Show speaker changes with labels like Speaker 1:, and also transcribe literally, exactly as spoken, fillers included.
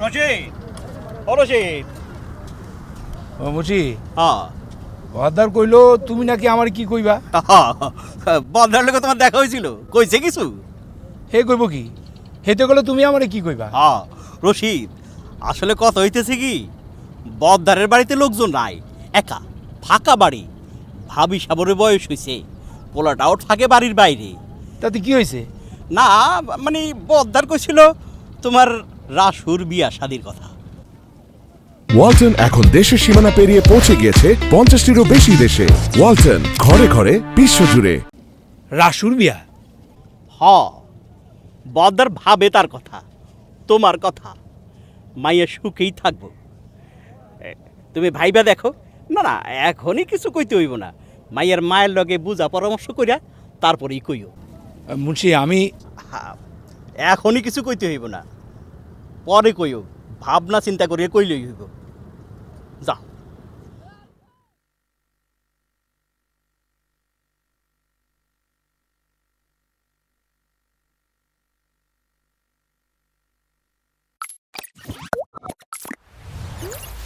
Speaker 1: রশিদ ও রশিদ
Speaker 2: ও মুচি
Speaker 1: হ্যাঁ
Speaker 2: বদার কইলো তুমি নাকি আমার কি কইবা?
Speaker 1: বদলার লোক তোমার দেখা হয়েছিল, কইছে কিছু?
Speaker 2: হে কইব কি? হেতে গেলে তুমি আমারে কি কইবা?
Speaker 1: হ্যাঁ রশিদ, আসলে কথা হইতেছে কি, বদদারের বাড়িতে লোকজন নাই, একা ফাঁকা বাড়ি। ভাবি সাবরের বয়স হয়েছে, পোলাটাও থাকে বাড়ির বাইরে।
Speaker 2: তাতে কি হয়েছে?
Speaker 1: না মানে বদদার কইছিল তোমার রাসুর বিয়া শাদির কথা।
Speaker 3: ওয়ালটন এখন দেশের সীমানা পেরিয়ে পৌঁছে গিয়েছে পঞ্চাশটিরও বেশি দেশে। ওয়ালটন, ঘরে ঘরে বিশ্বজুড়ে।
Speaker 2: রাসুর বিয়া?
Speaker 1: হ, বদদার ভাবে তার কথা, তোমার কথা। মাইয়া সুখেই থাকবো, তুমি ভাইবা দেখো। না না, এখনই কিছু কইতে হইব না, মাইয়ার মায়ের লগে বুঝা পরামর্শ কইরা তারপরেই কইও।
Speaker 2: মুন্সি আমি
Speaker 1: হ্যাঁ, এখনই কিছু কইতে হইব না, পরে কইও, ভাবনা চিন্তা করিয়া কইলেই হইব। যাও।